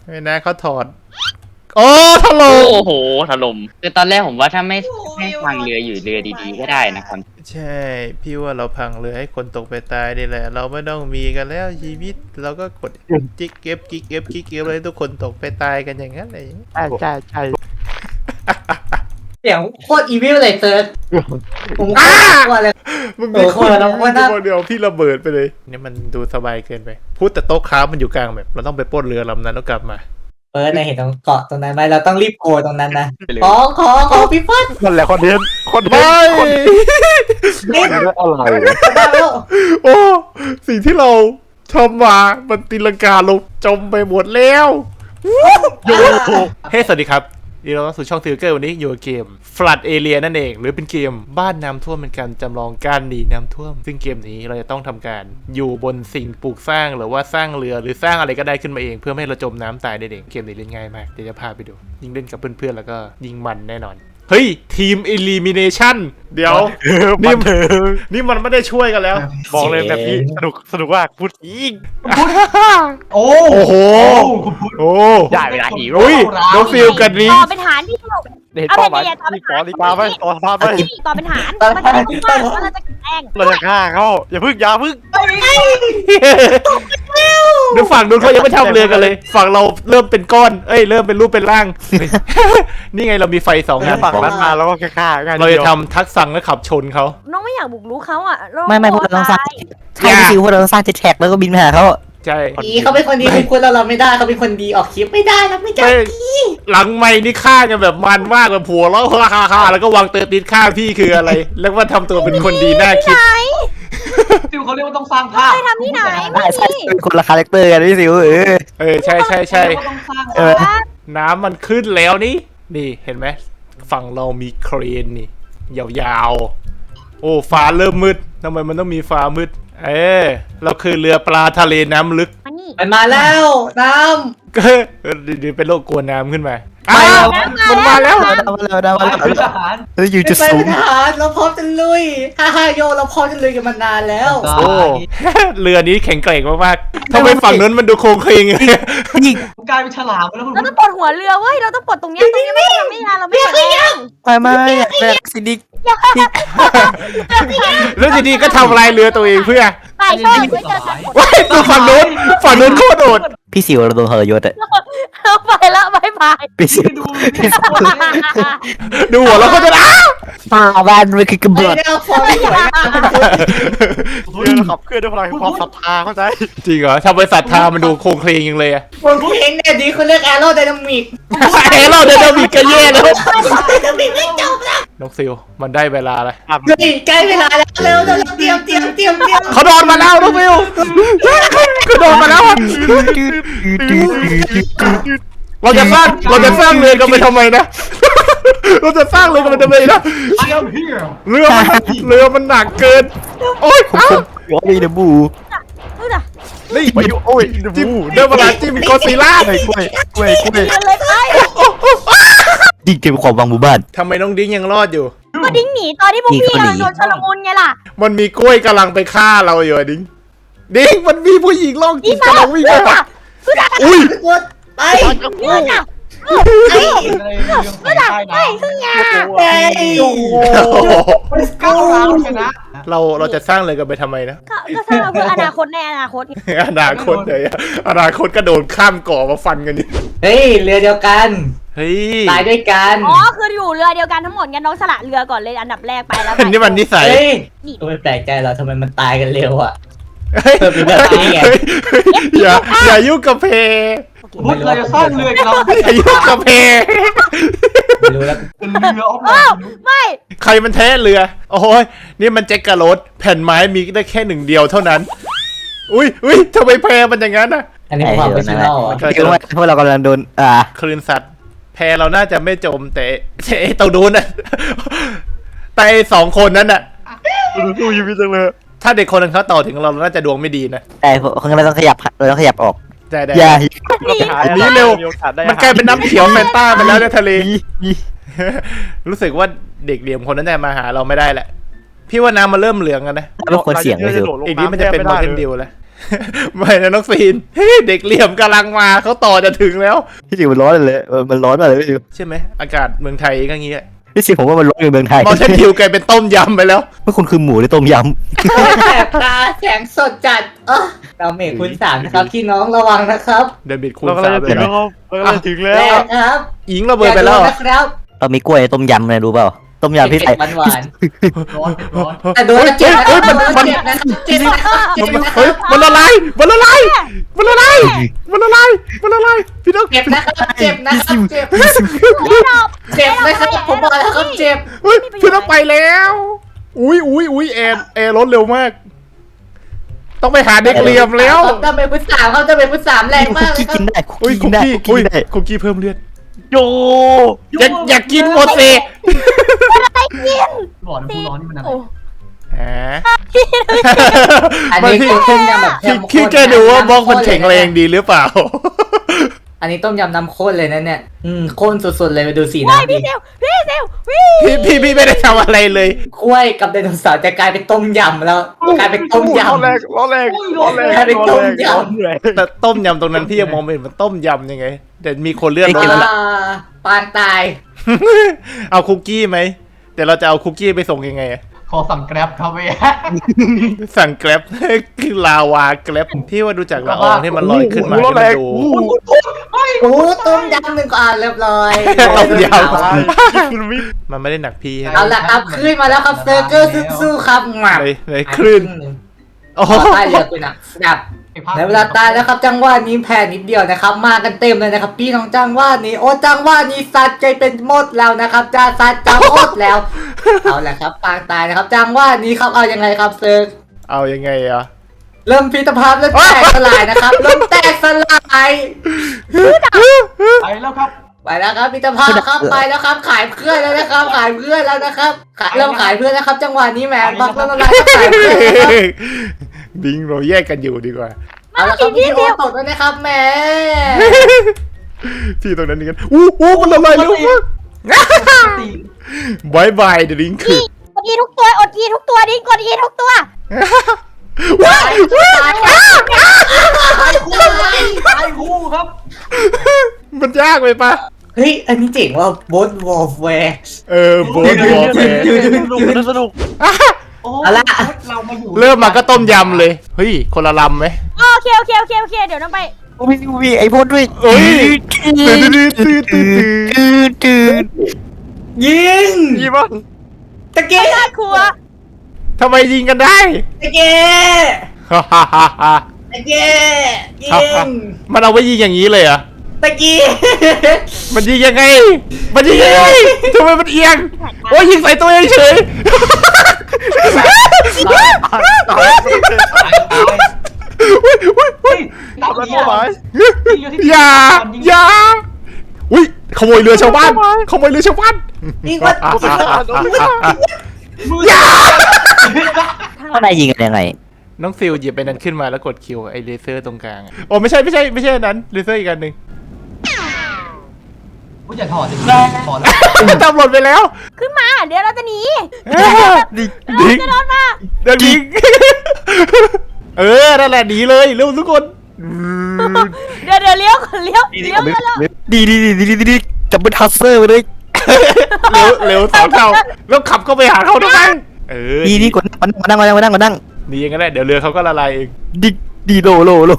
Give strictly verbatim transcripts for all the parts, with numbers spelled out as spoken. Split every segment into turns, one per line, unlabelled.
ไม่นะเขาถอดโอ้ถล่ม
โอ้โหถล่มคือตอนแรกผมว่าถ้าไม่ไม่พังเรืออยู่เรือดีๆก็ได้นะครับ
ใช่พี่ว่าเราพังเรือให้คนตกไปตายนี่แหละเราไม่ต้องมีกันแล้วชีวิตเราก็กดจิ๊กเก็บกิ๊กเก็บกิ๊กเก็บเลยทุกคนตกไปตายกันอย่างนั้นเลย
ใช่ใช่ใช่
เสียงโคตรอีวิลเลยเซิร์ชผมกลัวเลย
มึงมีคน
เออเราว่าน่า
เดียวพี่ระเบิดไปเลยนี่มันดูสบายเกินไปพูดแต่โต๊ะค้ามันอยู่กลางแบบเราต้องไปปล้นเรือลำนั้นแล้วกลับมา
เฟิร์สในเห็นตรงเกาะตรงนั้นไหมเราต้องรีบโกตรงนั้นนะขอขอขอพี่เฟิร์ส
นั่นแหละคอนเทนต์คอนเทน
ไม่
ต์คอนเทนต์อะไร
ได้แล้ว
โอ้สิ่งที่เราทำมามันตีลังกาลงจมไปหมดแล้วโยเฮ้สวัสดีครับนี่เราสู่ช่องทิวเกอร์วันนี้อยู่กับเกม Flood Area นั่นเองหรือเป็นเกมบ้านน้ำท่วมเป็นการจำลองการหนีน้ำท่วมซึ่งเกมนี้เราจะต้องทำการอยู่บนสิ่งปลูกสร้างหรือว่าสร้างเรือหรือสร้างอะไรก็ได้ขึ้นมาเองเพื่อไม่ให้เราจมน้ำตายได้เองเกมนี้เล่นง่ายมากเดี๋ยวจะพาไปดูยิ่งเล่นกับเพื่อนๆแล้วก็ยิ่งมันแน่นอนเฮ้ยทีม Elimination เดี๋ยวนี่นี่มันไม่ได้ช่วยกันแล้ว
บอกเลยแบบนี้สนุกสนุกมากพูดอีก
โอ้
โอ้โหโอ้
ได้เวลาฮีโร่
อุ้ยน้องฟิลกันนี้
ต่อเป็นฐานที่ถูก
เห็นเป้าหมายที่ขอดีกว่าไหมต่อสภาพไหม
ต่อเป็นฐานมันจะรู้ว่าว่าเราจะแข่ง
เราจะฆ่าเขาอย่าพึ่งอย่าพึ่ง
เดี๋ยวฝั่งนู้นเขายังไม่ทำเรือกันเลย ฝั่งเราเริ่มเป็นก้อน เอ้ยเริ่มเป็นรูปเป็นร่าง นี่ไงเรามีไฟสองอัน
ฝั่งนั้นมาแล้วก็แค่ฆ่าง่าย
เราจะทำทักษะและขับชนเขา
น้องไม่อยากบุกรู้เขาอ่ะ
ไม่ไม่พวกเราต้องสร้างใช่ซิวพวกเราต้องสร้างเจ็ตแท็กแล้วก็บินไปหาเขา
ใช่
ดีเขาเป็นคนดีคุณคุณเราเราไม่ได้เขาเป็นคนดีออกคลิปไม่ได้นะไม่ได้
ไม่หลังไม่นี่ฆ่ากันแบบมันมากแบบผัวแล้วฮ่าฮ่าแล้วก็วางเตอร์ติดฆ่าพี่คืออะไร แล้วว่าทำตัวเป็นคนดีน่าคิด
ซิวเขาเรียกว่าต้องสร้างภาพ
ไปทำที่ไหน
ได้ใช่เป็นคนละคาแรคเตอร์กันพี่ซิวเออ
เออใช่ใช่ใช่
เรียกว่าต้องสร้าง
เออ
น้ำมันขึ้นแล้วนี่ นี่เห็นไหมฝั่งเรามีเครนนี่ยาวๆ โอ้ฟ้าเริ่มมืดทำไมมันต้องมีฟ้ามืด เออเราคือเรือปลาทะเลน้ำลึก
มานี่
มันมาแล้วน้
ก็เดี๋ยวเป็นโรคกลัวน้ำขึ้นมา
ำ
อ้าวมันมาแล้ว
มาแล้วมาแล้ว
คือทหาร
เฮ้ยอยู่
ไม่
จุด
ไป
สูง
ทหารเราพร้อมจะลุยฮ่าฮ่าโยเราพร้อมจะลุยกันมานานแล้ว
โอ้ เรือนี้แข็งแกร่งมากๆทำไมฝั่งนั้นมันดูโครงเคลง
นี่
กลายเป็นฉลามไปแล้วคุณ
เราต้องปลดหัวเรือเว้ยเราต้องปลดตรงนี้ตรงนี้ไม่ทำไม่ได้เราไม่แข่ง
ไม่ไม่แม็กซิดิก
แล้วทีนี้ก็ทำลายเรือตัวเองเพื่อ
ไปโซ่ไว้เจอกัน
ว้ายตัวฝั่งนู้นฝั่งนู้นโคตรโดด
พี่ซิวเราโดนทรยศอะ
ไปแล้วบายบาย
พี่ซิว
ดู
ดูหัวเราก็จะอ้าว
มาบ้านมันคือกระ
ไอ้
เบิด
เนี่ยฟอร์มสวยงาม
เรือขับเคลื่อนด้วยพลังความศรัทธาเข้าใจ
จริงเหรอทำบริษัททามันดูโครงเคลงยังเลยอะ
คนผู้เห็นเนี่ยดีเขาเรียกแอโรไดนามิก
เฮ้ยเราเดินมีกระเย่แล้ว
ไดนามิกไม่จบแล้ว
น้องซิลมันได้เวลาแล้ว
เฮ้ยใกล้เวลาแล้วเร็วเร็วเตรียมเตรียมเตรียมเตรียม
เขาโดนมาแล้วน้องซิลเขาโดนมาแล้วอะเราจะสร้างเราจะสร้างเรือกันไปทำไมนะ เราจะสร้างเรือกันไปทำไมนะ
เชียร์เฮีย
เรือมันเรือมันหนักเกิน โอ๊ยอ้าว
หัวมีเดบู
เฮ้ยน่ะ
นี่
ไปโอ้ย
จิ้มได้เวลาจิ้มกอซิล่า
กล้วยกล้วยกล้วยกล้วย
เดินเลยไป
ดิ้งเก็บความวังหมู่บ้าน
ทำไมน้องดิ้งยังรอดอยู่
ก็ดิ้งหนีตอนที่พวกพี่กำลังโดนชลมุนไงล่ะ
มันมีกล้วยกำลังไปฆ่าเราอยู่อะดิ้งดิ้งมันมีผู้หญิงล่องจิตกำลังวิ่งไปหาอุ้ย
กดไป
เงื่อนอ่ะ
ไอ้
อะไรเรื่องของใต้น้
เฮ้ยยา
ไอ้
ำก้าวร้าวชนะ
เราเราจะสร้างเรือกันไปทำไมนะ
ก็ก็สร้างเพื่ออนาคตในอนาคต
อนาคตเลยอะอนาคตก็โดนข้ามเกาะมาฟันกันดิ
เฮ้ยเรือเดียวกัน
เฮ้ย
ตายด้วยกัน
อ๋อคืออยู่เรือเดียวกันทั้งหมดงั้นน้องสละเรือก่อนเลยอันดับแรกไปแล้ว
นี่มันนิสัย
เฮ้ยก็ไม่แปลกใจหรอกทำไมมันตายกันเร็วอ่ะ
เฮ้ย
เปิดเป็นแบบนี้ไง
เฮ้ยอย่าอย่ายุ่งกับเพ
พุทธเราจะสร้างเรือกันเรา
อย่ายุ่งกับเพ
ไม่รู้แล้ว
เป็นเรือออฟโร
อ้าว
ด
ไม่
ใครมันแท้เรือ โอ้ยนี่มันแจ็คกะโรดแผ่นไม้มีได้แค่หนึ่งเดียวเท่านั้น อุ้ยอุ้ยทำไมแพมันอย่างนั้นน่ะ
อันนี้ความเป็นชินอล
พี่ว่าพวกเรากำลังโดนอ่า
คลื่นสัตว์แพเราน่าจะไม่จมแต่แต่ไอ้ตรงนู้นน่ะแต่ไอ้สองคนนั้นน่ะ
ดูชีวิตจังเลย
ถ้าเด็กคนนึงเขาต่อถึงเราเราน่าจะดวงไม่ดีนะ
แต่คนเราต้องขยับเราต้องขยับออก
ได้ได้
อย่า
อันนี้เร็ว มันกลายเป็นน้ำเขียวแฟนต้าไปแล้วในทะเล รู้สึกว่าเด็กเหลี่ยมคนนั้นจะมาหาเราไม่ได้แหละ พี่ว่าน้ำมันเริ่มเหลืองกันนะ
เป็นคนเสี่ยงเลยซิว
อีกนี้มันจะเป็นโมเทนดิวแล้วไม่นะน้องซีนเฮ้ยเด็กเหลี่ยมกำลังมาเขาต่อจะถึงแล้ว
พี่สิมันร้อนเลยมันร้อนมากเลยพี่สิ
ใช่ไหมอากาศเมืองไทยก็งี้แหละ
พี่สิผมว่ามันร้อนในเมืองไทย
มอเทนฮิวกลายเป็นต้มยำไปแล้ว
เมื่อคุณคือหมูในต้มย
แสบตาแสงสดจัดเออเราเมฆคุณสามนะครับพี่น้องระวังนะครับ
เดบิดคูณ
เรากำลั
สาง ม
จะ
เลย
ถึง
นะ
แล้วครับเรากำลังจะถึงแล้
แร
ว
งครับ
อิงระเบิดไปแล้ว
อย่าโดนนะครับ
ำเรามีกล้วยต้มยำนะรู้เปล่าต้มยำพี่
เผ็
ใส่
ดหวาน
ร้อนร้อน
ๆแต่โดนแล้วเจ็บนะครับโดนแล้วเจ็บนะครับเจ็บนะครับเจ็บนะค
เฮ้
รั
ย
บ
มันละลายมันละลายมันละลายมันละลายมันละลายพี่น้อง
เจ็บนะครับเจ็บนะครับเจ็บ
ไม่หรอก
เจ็บนะครับผมบอกแล้วครับเจ็บ
เฮ้ยพี่น้องไปแล้วอุ้ยอุ้ยอุ้ยแอร์แอร์รถเร็วมาก ต้องไปหาเด็กเหลี่ยมแล้ว
จะเป็นพุทธสามเขาจะเป็นพุทธสามแรงมากเลย
คุกกี้
ค
กิ
รับ
นได้คุก
อุ้ย
กี้
คุ
กิ
ก
นได้
กี้
คุก
อุ้ย
กี้ได้
คุกกี้เพิ่มเลือด
โย
อยากอยากกินหมดสิ
อะไรกิน
ร้อนผู้ร้อนนี่มันอะไร
โอ้
อ่า
อัน
มัน
นี้
พี่
คือต้มยำแบบ
คิด
เข้มข้น
คิดแกดูว่าบล็อกมันแข็งแรงดีหรือเปล่า
อันนี้ต้มยำน้ำข้นเลยนะเนี่ยอืมข้นสุดๆเลยไปดูสี
ว้าย
น้ำดิ
พี่เซลพี่เซลพี่
พี่พี่พี่ไม่ได้ทำอะไรเลย
กล้วยกับไดโนเสาร์จะกลายเป็นต้มยำแล้วกลายเป็นต้มย
ร้อนแรงร้อนแรงร้อนแรง
แค่เป็นต้มยำ
ร้อนแรง
แต่ต้มยำตรงนั้นพี่ยังมองไม่เห็นมันต้มยำยังไงแต่มีคนเลือด
ำ
ร้อน
อ่าปานตาย
เอาคุกกี้ไหมแต่เราจะเอาคุกกี้ไปส่งยังไงอะ
ขอสั่งแกร็บครับเว้ย
สั่งแกร็บ คือลาวาแกร็บพี่ว่าดูจากละอองที่มันลอยขึ้นมา
ร้อน
ให้
แร
มัน
ง
ดู
โอ้ต้มยำหนึ่งก่อนเรียบร้อย
ต้มย
คุณมิ
มันไม่ได้หนักพี่
เอาละครับขึ้นมาแล้วครับเซอร์เกอร์สู้ๆครับหมัก
เลยเลยคลื่น โอ้โห
ใต้เรือคุณอ่ะดับในเวลาตายแล้วครับจังหวะนี้แพ้นิดเดียวนะครับ มากันเต็มเลยนะครับ พี่น้องจังหวะนี้โอ้จังหวะนี้สัตว์ใจเป็นหมดแล้วนะครับจะสัตว์จะหมดแล้ว เอาแหละครับปางตายนะครับ จังหวะนี้ครับเอายังไงครับเซิร์ก
เอายังไงอะ
เริ่มพิธภาพเริ่มแตกสลายนะครับเริ่มแตกสลาย
ไปแล้วครับ
ไปแล้วครับพิธภาพครับไปแล้วครับ ขายเพื่อนแล้วนะครับ ขายเพื่อนแล้วนะครับขายเริ่มขายเพื่อนแล้วครับ จังหวะนี้แหมบักเริ่มอะไรก็ขายเพื่อนนะครับ
บิงเราแยกกันอยู่ดีกว่า
เอาละครับพี่โอตกแล้วนะครับแหม
พี่ตรงนั้นนี่กันอู้อู้มันละลายเร็วมาก
ตี
บายบายเดลิงคือก
ดอีทุกตัวอดอีทุกตัวดิกดอีทุกตัว
ว้าย
ตายครับ
ตายคู่ครับ
มันยากไปปะ
เฮ้ยอันนี้เจ๋งว่าบดวอลแวร์
เออโบนวอลแฟร์
สนุกสนุก
โอ้
เอาละ
เรามาอยู่
เริ่มมาก็ต้มยำเลย เฮ้ย คนละลำไหม
โอเคโอเคโอเคโอเคเดี๋ยวน้องไป
มีมีไอ้พวกด้วย
เอ้ย
ตื่นตื่นตื่นตื่นตื่น
ยิง
ยี่ปะ
ตะเกีย
ได้ครัว
ทำไมยิงกันได้
ตะเกีย
ฮ่าฮ่าฮ่าฮ่า
ตะเกียยิง
มันเอาไว้ยิงอย่างนี้เลยเหรอ
ตะเกีย
มันยิงยังไง มันยิงยังไงทำไมมันเอียง โอ้ยยิงใส่ตัวเองเฉย
ตายเฮ้ยตาย
ทำอะไร
เหี้ย
เป้าหมาย
อย่า อย่า อุ้ยขโมยเรือชาวบ้าน ขโมยเรือชาวบ้าน
ยิงวัด
อย่า
ข้างในยิงกันยังไง
น้องซิลหยิบไปนั้นขึ้นมาแล้วกดคิวไอเลเซอร์ตรงกลางอะโอ้ไม่ใช่ไม่ใช่ไม่ใช่อันนั้นเลเซอร์อีกอันหนึ่ง
กูอย่าถอดดิถอดแล้ว
ตำรวจไปแล้ว
ขึ้นมาเดี๋ยวเราจะหนี
ดิง
เรา
ดิง
จะโดนมา
เดี๋ยวดิงเออนั่นแหละหนีเลยเร็วทุกคน
เดี๋ยวเดี๋ยวเลี้ยวก่อนเลี้ยวเลี้ยวแล้ว
ดีดีดีดีดีจับเป็นทัสเซอร์ไปเลย
เร็วเร็วสองเท่าแล้วขับเข้าไปหาเขาทำไมเออ
ดีนี่กดมานั่งมานั่งมานั่งมานั่ง
ดีอย่างนั้นแหละเดี๋ยวเรือเขาก็ละลายเอง
ดีดีโลโลโล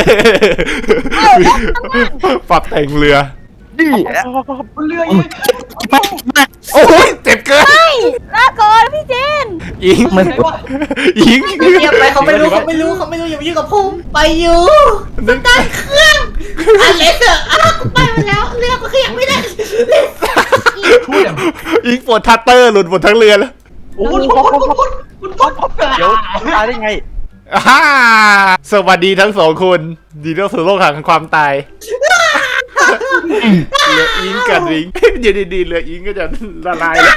ปรับแต่งเรือ
ดี
เรือยังไม่
มามา
โอ้ยเจ็บเกิน
ลาก่อนพี่เจน
อิง
มัน
ไหนวะ
อิง
เงียบไปเขาไม่รู้เขาไม่รู้เขาไม่รู้อย่ามายุ่งกับผมไปอยู่สตาร์ทเครื่องอันเล็กเถอะอ้าวกูไปมาแล้วเรือก็ขยับไม่ได้
พูดอย่าง
อิงปวดทัตเตอร์หลุดหมดทั้งเรือแล้ว
โอ้ยพุดพุดพุดพุดพุดพุด
เดี๋ยวตายได้ไง
อ่าสวัสดีทั้งสองคนดีต้อนรับสู่โลกแห่งความตายเรืออิงกับริงอยู่ดีๆเรืออิงก็จะละลายแล้ว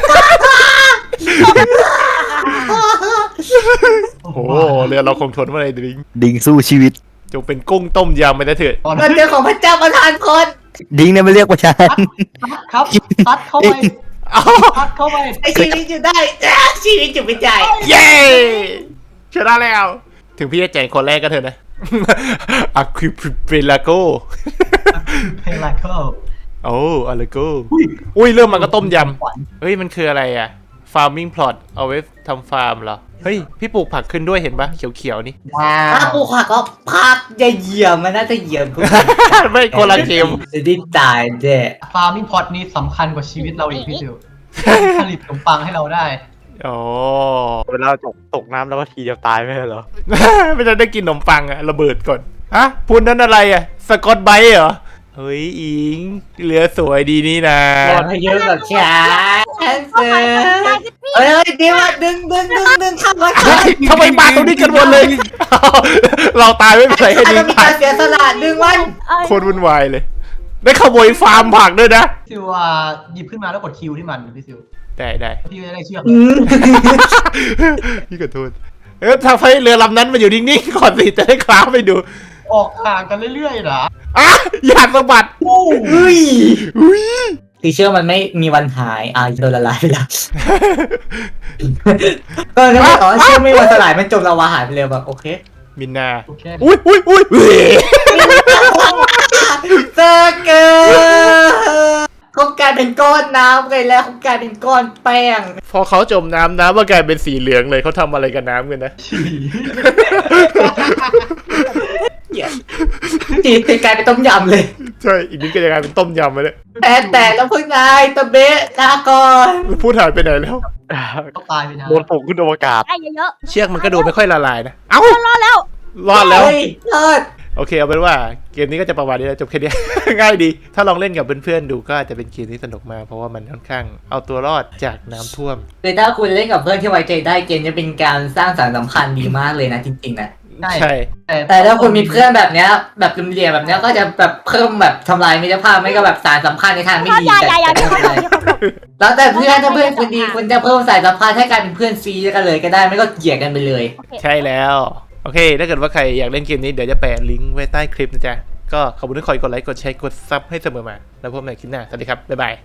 โอ้โหเรือเราคงทนไม่ได้ดริง
ดิงสู้ชีวิต
จงเป็นกุ้งต้มยำไปนะเถอะ
มันเจอของพระเจ้าประทานคน
ดิงเนี่ยไม่เรียกว่าฉัน
ครับซัดเข้าไป
เอา
ซัดเข้าไป
ไอชีวิตอยู่ได้ชีวิตอยู่ไม่ได้
เย้ชนะแล้วถึงพี่จะแจกคนแรกก็เถอะนะ อะควิเปลาโก
เพลงไลเคิล
โอ้อะเลโกอุ้ยเริ่มมันก็ต้มยำเฮ้ยมันคืออะไรอะ farming plot เอาไว้ทำฟาร์มเหรอเฮ้ยพี่ปลูกผักขึ้นด้วยเห็นปะเขียวๆนี่
ว้าวถ้าปลูกผักก็ผักจะเหยียบมันน่าจะเหยียบพวก
ไม่คนละเกม
จะได้ตายเด้
ฟาร์มิงพอตนี้สำคัญกว่าชีวิตเราอีกพี่ซิวผลิตขนมปังให้เราได้
อ๋อ
เวลาตกตกน้ำแล้วก็ทีเดียวตายไม่ใช่เหรอ
ไม่ได้ได้กินขนมปังอะระเบิดก่อนฮะพูดนั้นอะไรอะสกอตไบรท์เหรอเฮ้ยอิงเรือสวยดีนี่นะ
รอให้เยอะกับฉันเสือเฮ้ยดีว่าดึงดึงดึงดึงทำมา
เฮ้ยทำไมมาตรงนี้กันหมดเลย เราตายไม่เป็นไรให้ดี
จะมี
ตา
กาย รเสียสละดึงมัน
โคตรวุ่นวายเลย ได้ขโมยฟาร์มผักด้วยนะ
ซิวอ่ะหยิบขึ้นมาแล้วกดคิวที่มันพี่ซิว
ได้ได้
พี่จะได้เชือก
อืม
พี่ขอโทษเออทำให้เรือลำนั้นมาอยู่นิ่งๆก่อนสิจะได้คล้าไปดู
ออกห่างกันเรื่อยๆเหรอ
อ่ะอยากสะบัด
โอ้
เฮ้ย
อุ้ย
ตีเชื่อมันไม่มีวันหายอ่ะโดนละลายไปแล้วก็นึกว่าอ๋อเชื่อไม่มีวันสลายมันจมละวาหายไปเลยแบบโอเค
มินนา
โอเค
อุ้ยอุ้ยอุ้ยเว้ย
เซอร์เกอร์เขากลายเป็นก้อนน้ำไปแล้วเขากลายเป็นก้อนแป้ง
พอเขาจมน้ำน้ำก็กลายเป็นสีเหลืองเลยเขาทำอะไรกับน้ำกันนะ
จีตีกลายเป็นต้มยำเลย
ใช่อีกนิดก็จะกลายเป็นต้มยำไปเลย
แต่แต่แล้วพึ่งนายตะเบะลาก่อน
พูดหายไปไหนแล้ว
ต้องตายไปนะ
โดนปลุกขึ้นอวกาศ
ได้เยอะ
เชือกมันก็ดูไม่ค่อยละลายนะ เอ้า
ๆรอดแล้ว
รอดแล้ว
เฮ้ยรอด
โอเคเอาเป็นว่าเกมนี้ก็จะประมาณนี้แล้วจบแค่นี้ ง่ายดี ถ้าลองเล่นกับเพื่อนๆดูก็อาจจะเป็นเกมที่สนุกมากเพราะว่ามันค่อนข้างเอาตัวรอดจากน้ำท่วม
คือถ้าคุณเล่นกับเพื่อนที่ไว้ใจได้เกมจะเป็นการสร้างสรรค์สัมพันธ์ดีมากเลยนะจริงๆนะ
ใช่
แต่ถ้าคุณมีเพื่อนแบบเนี้ยแบบเหลี่ยมๆแบบเนี้ยก็จะแบบเพิ่มแบบทำลายมิตรภาพไม่ก็แบบสารสัมพันธ์ในทางไม่
ชอบ
ดี
ยา
แต่
ยายาที่เขาบอกที่เขาบอก
แล้วแต่เพื่อนถ้าเพื่อนคุณดีคุณจะเพิ่มสายสัมพันธ์ให้กลายเป็นเพื่อนซีกันเลยก็ได้ไม่ก็เกลียดกันไปเลย
โอเค
ใช่แล้ว โอเค ถ้าเกิดว่าใครอยากเล่นเกมนี้เดี๋ยวจะแปะลิงก์ไว้ใต้คลิปนะจ๊ะก็ขอบคุณที่คอยกดไลค์กดแชร์กดซับให้เสมอมาแล้วพบกันใหม่คลิปหน้าสวัสดีครับบ๊ายบาย